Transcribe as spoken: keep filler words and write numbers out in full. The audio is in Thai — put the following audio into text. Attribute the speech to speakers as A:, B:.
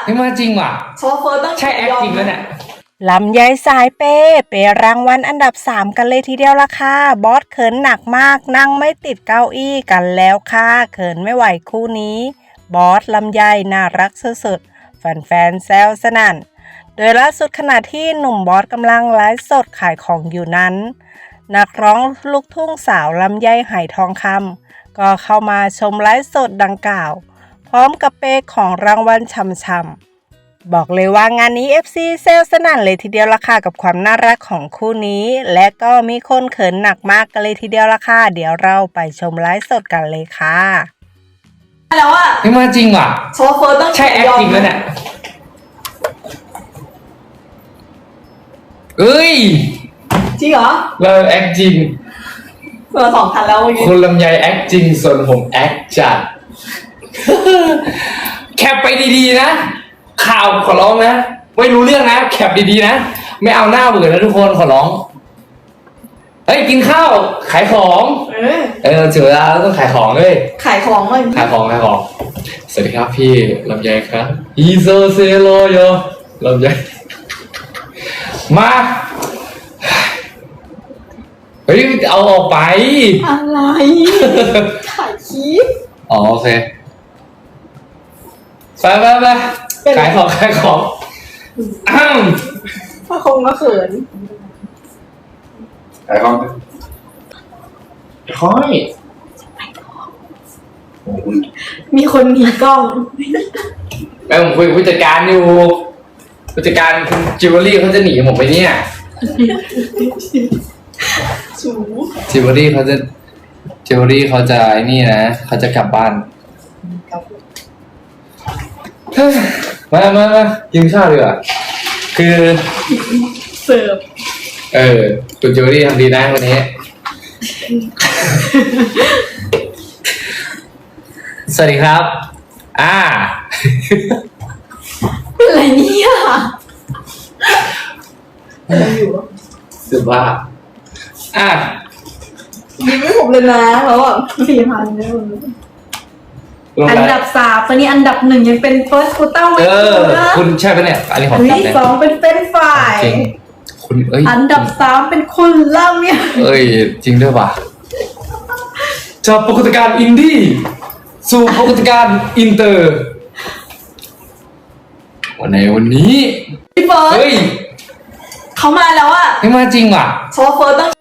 A: ไม่มาจริงว่ะ
B: เพราะว่าเฟิร์สต้อง
A: ใช่แอคจริงแล้วเนี่ย
C: ลำไยสายเปเปรางวัลอันดับสามกันเลยทีเดียวละค่ะบอสเขินหนักมากนั่งไม่ติดเก้าอี้กันแล้วค่ะเขินไม่ไหวคู่นี้บอสลำไยน่ารักสุดๆแฟนๆแซวสนั่นโดยล่าสุดขณะที่หนุ่มบอสกำลังไลฟ์สดขายของอยู่นั้นนักร้องลูกทุ่งสาวลำไยไหทองคำก็เข้ามาชมไลฟ์สดดังกล่าวพร้อมกับเปของรางวัลช่ำๆบอกเลยว่างานนี้ เอฟ ซี เซลสนั่นเลยทีเดียวละค่ะกับความน่ารักของคู่นี้และก็มีคนเขินหนักมากกันเลยทีเดียวละค่ะเดี๋ยวเราไปชมไลฟ์สดกันเลยค่ะ
B: แล้วอ่ะ
A: ไม่มาจริงว่ะ
B: เพราะว่าเฟิร์สต้อง
A: ใช่แอคจริงแล้วเนี่ยเอ้ย
B: จริงเหรอ
A: เราแอคจริง
B: เฟิร์สสองพันแล้วเมื่อกี้
A: คุณลำไยแอคจริงส่วนผมแอคจัด แคปไปดีๆนะข่าวขอร้องนะไม่รู้เรื่องนะแคปดีๆนะไม่เอาหน้าเบื่อนะทุกคนขอร้องเฮ้ยกินข้าวขายของ
B: เออ
A: เออถึงเวลาแล้วต้องขายของเลย
B: ขายของเลย
A: ขายของขายของสวัสดีครับพี่ลำไยครับอีโซเซโลโยลำไยมาเฮ้ยเอาออกไป
B: อะไรถ่ายคลิป
A: อ๋อโอเคไปไปไปขายของขายของอ้าว
B: พระคงก็เขิน
A: ขายของค่อย
B: มีคนหนีกล้อง
A: แม่ผมคุยกับผู้จัดการอยู่ผู้จัดการคุณจิวเวลรี่เขาจะหนีผมไปเนี่ย
B: สู
A: จิวเวลรี่เขาจะจิวเวลรี่เขาจะไอ้นี่นะเขาจะกลับบ้านมามามากินข้าวดีกว่าคือ
B: เสิร์ฟ
A: เออคุณจิวเวลรี่ทำดีนะวันนี้ สวัสดีครับ อ่า
B: เป็นไรเนี่ยอะไรอยู่
A: สุภาพอ่ะ
B: ยิ้มไม่ผมเลยนะแล้วอ่ะสี่พันเนี่ย
A: ลง
B: อัน
A: ไป
B: ดับสามตอนนี้อันดับหนึ่งยังเป็นเฟิร์สคูต้าไม่
A: เออ
B: ถูกนะ
A: คุณใช่ปะเนี่ย อันนี้ของ
B: อัน
A: ตัด
B: ที่
A: เนี่ย
B: สองเป็นเฟรนช์ฟราย
A: จริง คุณเอ้ย
B: อันดับสามเป็นคุณเล่าเนี่ย
A: เอ้ย จริงด้วยป่ะจากปรากฏการณ์อินดี้สู่ปรากฏการณ์อินเตอร์ วันไหนวันนี้
B: พี่เฟิร์ส
A: เฮ้ย
B: เขามาแล้วอ่ะ
A: ไม่มาจริงว่ะ
B: เพราะว่าเฟิร์สต้อง